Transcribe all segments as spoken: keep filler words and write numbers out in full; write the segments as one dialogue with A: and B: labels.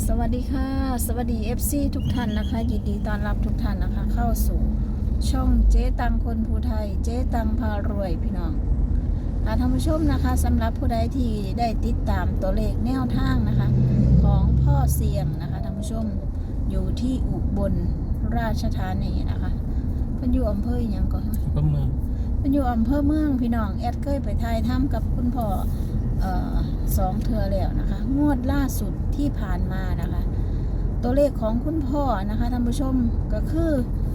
A: สวัสดีค่ะสวัสดี เอฟ ซี ทุกท่านนะคะยินดีต้อนรับทุกท่านนะคะเข้าสู่ช่องเจ๊ตังคนภูไทยเจ๊ตังพารวยพี่น้องท่านผู้ชมนะคะสำหรับผู้ใดที่ได้ติดตามตัวเลขแนวทางนะคะของพ่อเสียงนะคะท่านผู้ชมอยู่ที่อุบลราชธานีนะคะเป็นอยู่อำเภออย่างก่อนอำเภอเมืองเป็นอยู่อำเภอเมืองพี่น้องแอดเคยไปถ่ายทำกับคุณพ่อสองเทือแล้วนะคะงวดล่าสุดที่ผ่านมานะคะตัวเลขของคุณพ่อนะคะท่านผู้ชมก็คือ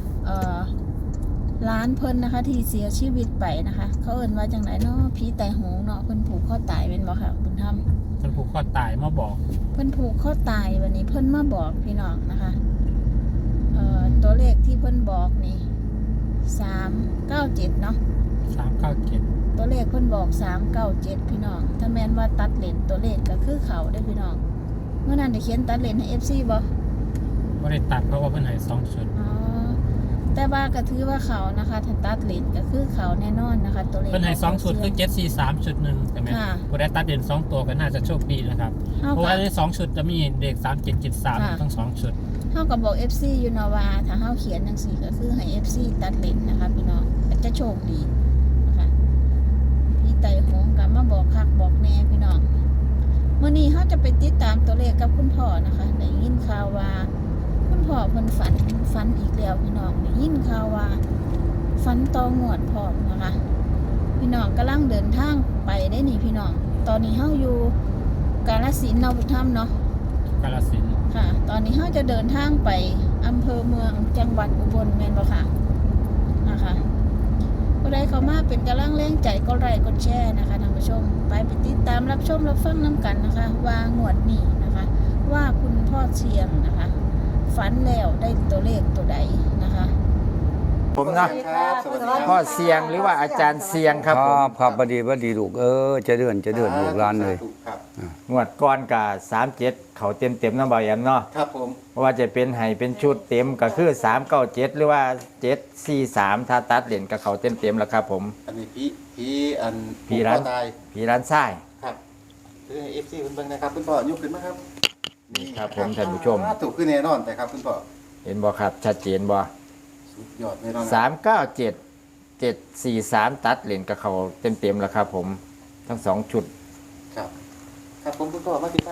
A: ล้านเพิ่นนะคะที่เสียชีวิตไปนะคะเขาเอ่นว่าจังไหนเนาะผีไตหงเนาะเพิ่นผูกข้อตายเป็นบ่ค่ะคุณทำ
B: เพิ่นผูกข้อตายมาบอก
A: เพิ่นผูกข้อตายวันนี้เพิ่นมาบอกพี่น้องนะคะตัวเลขที่เพิ่นบอกนี่สามเก้าเจ็ดเนาะ
B: สามเก้าเจ็ด
A: ตัวเลขเพิ่นบอกสามเก้าเจ็ดพี่น้องถ้าแม่นว่าตัดเลนตัวเลขก็คือเขาได้พี่น้องเมื่อนั้นได้เขียนตัดเลนให้ เอฟ ซี บ่
B: บ่ได้ตัดเพราะว่าเพิ่นให้สองชุด
A: อ๋อแต่ว่าก็ถือว่าเขานะคะถ้าตัดเลนก็คือเขาแน่นอนนะคะตัวเลข
B: เพิ่นให้สองชุดคือเจ็ด สี่ สามชุดนึงใช่มั้ยบ่ได้ตัดเลนสองตัวก็น่าจะโชคดีนะครับเพราะว่าในสองชุดจะมีเลขสาม เจ็ด เจ็ด สามทั้งสองชุด
A: เฮาก็บอก เอฟ ซี อยู่เนาะว่าถ้าเฮาเขียนจังซี่ก็คือให้ เอฟ ซี ตัดเลนนะคะพี่น้องก็จะโชคดีไต่หงกับมาบอกคักบอกแน่พี่น้องเมื่อนี้เขาจะไปติดตามตัวเลขกับคุณพ่อนะคะได้ยินข่าวว่าคุณพ่อเพิ่นฝันฝันอีกแล้วพี่น้องได้ยินข่าวว่าฝันต่องวดพร้อมนะคะพี่น้องกำลังเดินทางไปได้นี่พี่น้องตอนนี้เขาอยู่กาฬสินธุ์เนาะพุทธธรรมเนาะ
B: กาฬสินธุ์
A: ค่ะตอนนี้เขาจะเดินทางไปอำเภอเมืองจังหวัดอุบลแม่นบ่ค่ะนะคะผู้ใดเข้ามาเป็นกำลังแรงใจก็ไลค์กดแชร์นะคะท่านผู้ชมไปไปติดตามรับชมรับฟังน้ำกันนะคะว่างวดนี้นะคะว่าคุณพ่อเชียงนะคะฝันแล้วได้ตัวเลขตัวใดนะคะ
C: ผมนะพ่อเสียงหรือว่าอาจารย์เสียงครับผม
D: ครับบดีบดีลูกเออจะเดือนจะเดือนลูกร้านเลย
C: งวดก้อนกับสามเจ็ดเขาเต็มเต็มน้ำเบาแอมเนาะ
E: ครับผม
C: ว่าจะเป็นไห้เป็นชุดเต็มก็คือสามเก้าเจ็ดหรือว่าเจ็ดสี่สามถ้าตัดเหรียญกับเขาเต็มเต็มแล้วครับผม
E: อันนี้พี่พี่อัน
C: พี่ร้านพี่ร้านไส้
E: ครับคือเอฟซีคุณเบิ้งนะครับคุณพ่อยกขึ้นมาครับ
C: นี่ครับผมท่านผู้ชม
E: ถูกขึ้นแน่นอนแต่ครับคุณพ่อ
C: เห็นบ่ครับชัดเจนบ่
E: สุดยอดแน่นอน
C: สามเก้าเจ็ดเจ็ดสี่สามตัดเหรียญกับเขาเต็มเต็มแล้วครับผมทั้งสองชุด
E: ครับครับผมคุณพ่อมาติดครับ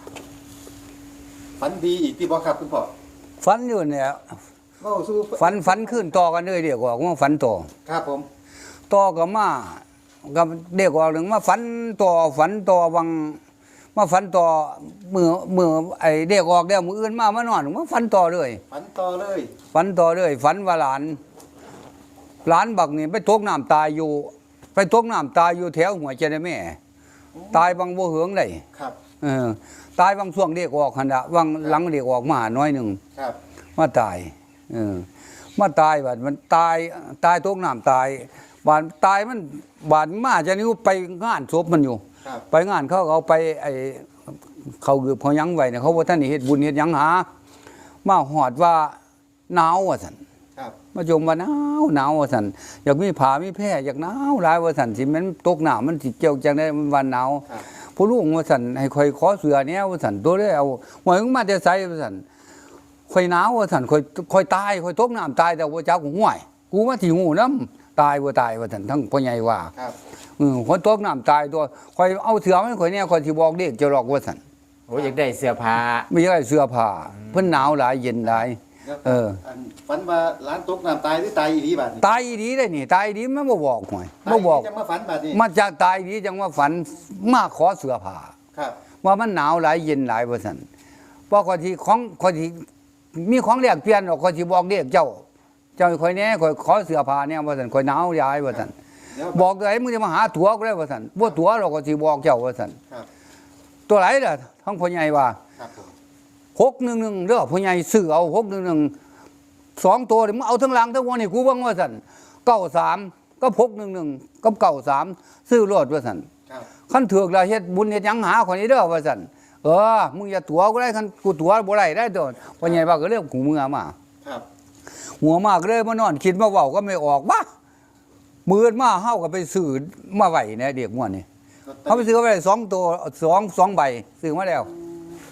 E: ฝันดีอีกที่บอกครับคุณพ่อ
D: ฝันอยู่เนี่ยฝันฝันขึ้นต่อกันเลยเดี๋ยวว่าว่าฝันต่อ
E: ครับผม
D: ต่อกับมากับเด็กว่าหนึ่งมาฝันต่อฝันต่อวังมาฝันต่อมือมือไอเด็กออกเดี๋ยวมืออื่นมามานอนมาฝันต่อเลย
E: ฝันต่อเลย
D: ฝันต่อเลยฝันว่าหลานหลานบักนี่ไปตกน้ำตายอยู่ไปตกน้ำตายอยู่แถวหัวเจริญแม่ตายบางบัวเหืองเลย
E: ครับ
D: เออตายบางช่วงเด็กออกขณะบางหลังเด็กออกมาน้อยหนึ่งมาตายเออมาตายบัดมันตายตายตกน้ำตายบานตายมันบานมาจะนิ้วไปงานศพมันอยู่ไปงานเขาเอาไปไอเขาเกือบเขายั้งไว้เนี่ยเขาว่าท่านนี่เฮ็ดบุญเฮ็ดยังหามาหอดว่าหนาวว่าสันมาจมว่าหนาวหนาวว่าสันอยากมีผามีแพร่อยากหนาวหลายว่าสันสิมันตกหนาวมันสิเกี่ยวจังได้มันวันหนาวผู้ลูกว่าสันให้คอยขอเสือเนี้ยว่าสันตัวได้เอาหวยมาจะใส่ว่าสันคอยหนาวว่าสันคอยคอยตายคอยตกน้ำตายแต่ว่าเจ้ากูห่วยกูว่าที่งูน้ำตายว่าตายว่าสันทั้งพ่อใหญ่ว่าอืมคนตกน้ำตายตัวคอยเอาเสือไม่คอยเนี่ยคอยที่บอกเด็กจะหลอกว่าสัน
C: โอ้ยอยากได้เสื้อผ้า
D: ไม่ใช่เสื้อผ้าเพิ่นหนาวหลายเย็นหลายเออ
E: ฝันว่าร้านตกน้ำตายหรือตายอีดีบัดนี้
D: ตายอีดีได้นี่ตายอีดีมันบ่บอกหวยบ่บอก
E: จังมาฝันบัดนี้
D: มาจากตายอีดีจังว่าฝันมาขอเสื้อผ้า
E: ครับ
D: ว่ามันหนาวหลายเย็นหลายว่าซั่นเพราะคนที่ของคนที่มีของแลกเปลี่ยนออกคนที่บอกเด็กเจ้าเจ้าคอยแน่คอยขอเสื้อผ้าเนี่ยว่าซั่นคอยหนาวยายว่าซั่นบอกไอ้มึงจะมาหาตั๋วก็ได้ว่าซั่นบ่ตั๋วเราก็สิบอกเจ้าว่าซั่นตัวไหนล่ะทั้งพ่อใหญ่ว่าหกหนึ่งหนึ่งเด้อพ่อใหญ่ซื้อเอาหกหนึ่งหนึ่งสองตัวมึงเอาทั้งหลังทั้งวันนี่กูบังว่าสันเก้าสามก็หกหนึ่งหนึ่งก็เก้าสามซื้อรถว่าสันขั้นถือกเราเฮ็ดบุญเฮ็ดยังหาคนนี้เด้อว่าสันเออมึงอย่าตัวก็ได้ขั้นกูตัวบ่ได้ได้ตัวพ่อใหญ่ว่าก็เรื่องหูมือมาหัวมากเลยมานอนคิดมาเว้าก็ไม่ออกวะมือมาเฮาก็ไปซื้อมาไหวเนี่ยเด็กม่วนนี่เขาไปซื้อไปสองตัวสองสองใบซื้อมาแล้ว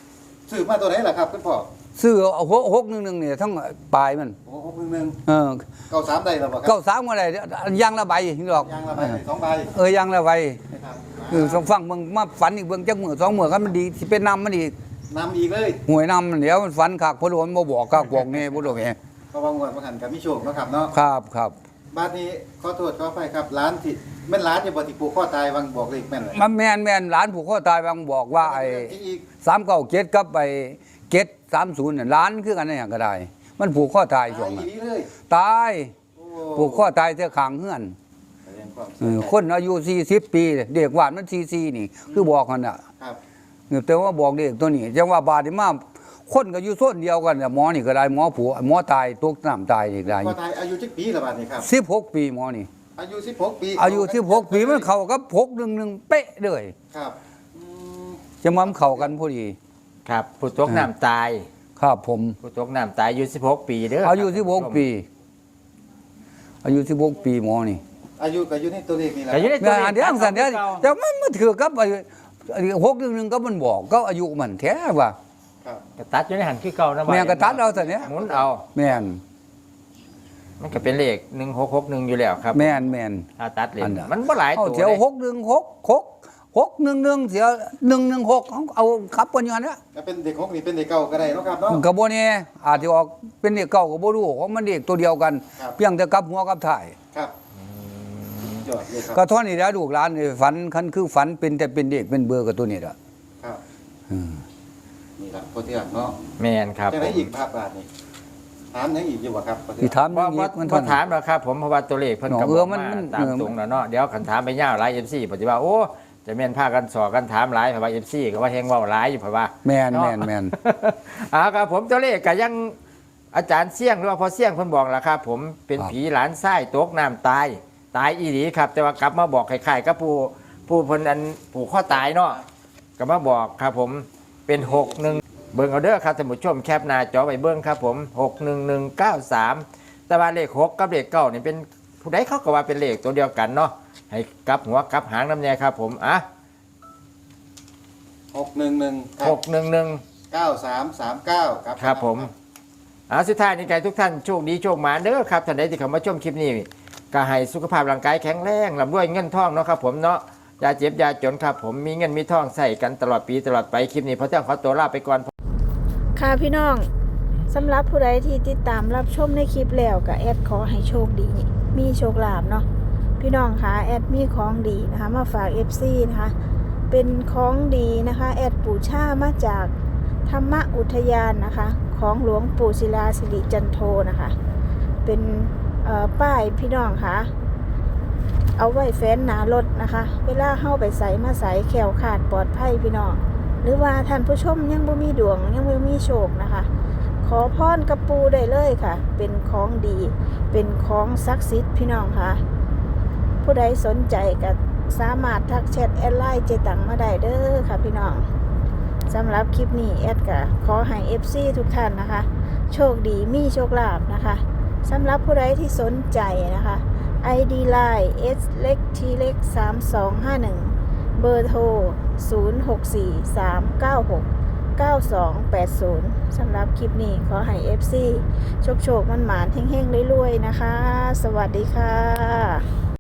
E: ซื้อมาตัวไหนล่ะครับคุณพ่อ
D: ซื้อเอาหกหกหนึ่งหนึ่งเนี่ยทั้งปลายมัน
E: โอ้หกหนึ่งหนึ่ง
D: เออ
E: เก้าสามได้หรอเปล่าครั
D: เก้าสามก็ได้ยางละใบนี่ดอก
E: ยางละใบสองใบ
D: เออยางละใบ
E: นะครับ
D: เออต้องฟังมึงมาฝันอีกเบิ่งจักมือสองมือกันมันดีสิเป็นนำมันอีก
E: นำอีกเลย
D: หวยนำมันเดี๋ยวมันฝันคักเพราะว่ามันบ่บอกคักบอกแน่บ่รู้แห
E: เพราะว่างวดมาหันกับมิโชคเนาะครับเนาะ
D: ครับครับ
E: บ้านนี้ขอโทษขออภัยครับร้านที่แม่นร้านที่บ่ที่ปลูกข้อตายวังบอกเลขแม่นเลย
D: มันแม่นแม่นหลานผูกคอตายบางบอกว่าไอ้
E: ที่อีก
D: สามเก้าเจ็ดกับไอ้เจ็ดสามศูนย์น่ะหล้านคือกันนั่นอย่างก็ได้ มันผูกข้อตายช่วง
E: อี
D: นั้น
E: นี้เลย
D: ตาย
E: โอ้
D: ผูกข้อตายเท่าขางเฮือน
E: แสดงความ
D: เออคนอายุสี่สิบปีเด็กวาดมันสี่สี่นี่ คือบอกกันน่ะ
E: ครับ
D: แต่ว่าบอกเด็กตัวนี้จังว่าบาดนี่มาคนก็อยู่โซนเดียวกันน่ะหมอนี่ก็ได้หมอผัวหมอตายตกน้ำตายอีกได้
E: ข้อตายอายุจักปีละบาดนี้ครับ
D: สิบหกปีหมอนี่
E: อายุสิบหกปี
D: อายุสิบหกปีมันเข้ากับหกหนึ่งหนึ่งเป๊ะเลย
E: ครับอืม
D: จะมามันเข้ากันพอดี
C: ครับผู้ตกน้ำตาย
D: ครับผม
C: ผู้ตกน้ำตายอายุสิบหกปีเด้อ
D: อายุ
C: ครับ
D: สิบหกปี อายุสิบหกปีหมอนี่
E: อายุก็อยู่ในตัวเลขนี่แหละ
C: ก็อยู่ในตัว
D: งานเดียวสันเดียวแต่มันมันถือกับอายุหกหนึ่งหนึ่งก็มันบอกก็อายุมันแท้ว่า
E: ครับ
C: กระตัดอยู่ในหันคือเก่านะ
D: แม่งกระตัดเอาสันเนี้ย
C: หมุนเอา
D: แม่น
C: มันก็เป็นเลขหนึ่งหกหกหนึ่งอยู่แล้วครับ
D: แม่นแม่น
C: ถ้าตัดเล
D: อั
C: น
D: นน่ะ
C: มันบ่หลาย
D: เอา
C: ตัว
D: เสียว
C: เลย
D: หกหนึ่งหกหกหกหนึ่งหนึ่งเสียหนึ่งหนึ่งหกเอาขับกันอย่างนั้นนะ
E: ก็เป็นเด็กหกนี่เป็นเด็กเก่าก็ได้เนาะครับเนาะ
D: กระโบเนี่ยอาจจะออกเป็นเด็กเก่ากับโบรู้ของมันเด็กตัวเดียวกัน
E: ครับ
D: เพียงแต่กับหัวกับถ่าย
E: ครับยอดเลยครับ
D: ก็เท่านี้แล้วลูกหลานนี่ฝันคันคือฝันเป็นแต่เป็นเด็กเป็นเบอร์กับตัวนี้ละ
E: ครับ
D: อืม
E: นี่ละพอเที่ยงเนาะ
C: แมนครับ
E: จะได้อีกภาพบาทนี่ถามยังอีกอยู่บ่ครับพอเที่
D: ที่
E: ยง
D: ถาม
C: ว่า
D: อี
C: ว่าก
D: มัน
C: พ
D: เท่า
C: อ
D: นั้น
C: ถามแล้วครับผมเพราะว่าตัวเลขเพิ่นก็
D: เอ
C: บอก
D: อมัน
C: มา
D: มัน
C: ตามตรงแล้วเนาะเดี๋ยวคันถามไปยาวหลาย เอฟ ซี ปฏิว่าโอ้จะแม่นพากันสอกันถามหลายเพราะว่า เอฟ ซี ก็ว่าแฮงเว้าหลายอยู่เพราะว่า
D: แม่น
C: เนาะ
D: แม่นแม่น
C: อ่าครับผมตัวเลขก็ยังอาจารย์เสี่ยงหรือว่าพอเสี่ยงเพิ่นบอกล่ะครับ ผมเป็น
D: ครับ
C: ผีหลานไส้ตกน้ำตาย ตายอีหลีครับ แต่ว่ากลับมาบอกคล้ายๆกับผู้ผู้เพิ่นอันผูกข้อตายเนาะก็มาบอกครับผมเป็นหกหนึ่งเบิ่งเอาเด้อครับท่านผู้ชมแคปหน้าจอไว้เบิ่งครับผมหกหนึ่งหนึ่งเก้าสามแต่ว่าเลขหกกับเลขเก้านี่เป็นผู้ใดเขาก็ว่าเป็นเลขตัวเดียวกันเนาะให้กลับหัวกลับหางน้ำแน่ครับผมอ่ะ
E: หกหนึ่งหนึ่ง
C: หกหนึ่งหนึ่ง
E: เก้าสามสามเก้าครับ
C: ครับผมอ่าสุดท้ายนี้ใครทุกท่านโชคดีโชคหมาเด้อครับท่านใดที่เข้ามาชมคลิปนี้ก็ให้สุขภาพร่างกายแข็งแรงร่ำรวยเงินทองเนาะครับผมเนาะอย่าเจ็บอย่าจนครับผมมีเงินมีทองใส่กันตลอดปีตลอดไปคลิปนี้พอเที่ยงขอตัวลาไปก่อน
A: ค่ะพี่น้องสำหรับผู้ใดที่ติดตามรับชมในคลิปแล้วก็แอดขอให้โชคดี มีโชคลาภเนาะพี่น้องคะแอดมีของดีนะคะมาฝาก เอฟ ซี นะคะเป็นของดีนะคะแอดปู่ช่ามาจากธรรมอุทยานนะคะของหลวงปู่ศิลาสิริจันโทนะคะเป็นเอ่อป้ายพี่น้องคะเอาไว้แฟ้นหนารถนะคะเวลาเข้าไปใส่มาใส่แขวขาดปลอดภัยพี่น้องหรือว่าท่านผู้ชมยังบ่มีดวงยังบ่มีโชคนะคะขอพรกับปูได้เลยค่ะเป็นของดีเป็นของศักดิ์สิทธิ์พี่น้องค่ะผู้ใดสนใจก็สามารถทักแชทแอดไลน์เจตังมาได้เด้อค่ะพี่น้องสำหรับคลิปนี้แอดก็ขอให้ เอฟ ซี ทุกท่านนะคะโชคดีมีโชคลาภนะคะสำหรับผู้ใดที่สนใจนะคะ ไอ ดี ไลน์ S เล็ก T เล็กสามสองห้าหนึ่งเบอร์โทรศูนย์ หก สี่ สาม เก้า หก เก้า สอง แปด ศูนย์สำหรับคลิปนี้ขอให้ เอฟ ซี โชคโชคมันหมานๆเฮงๆรวยๆนะคะ สวัสดีค่ะ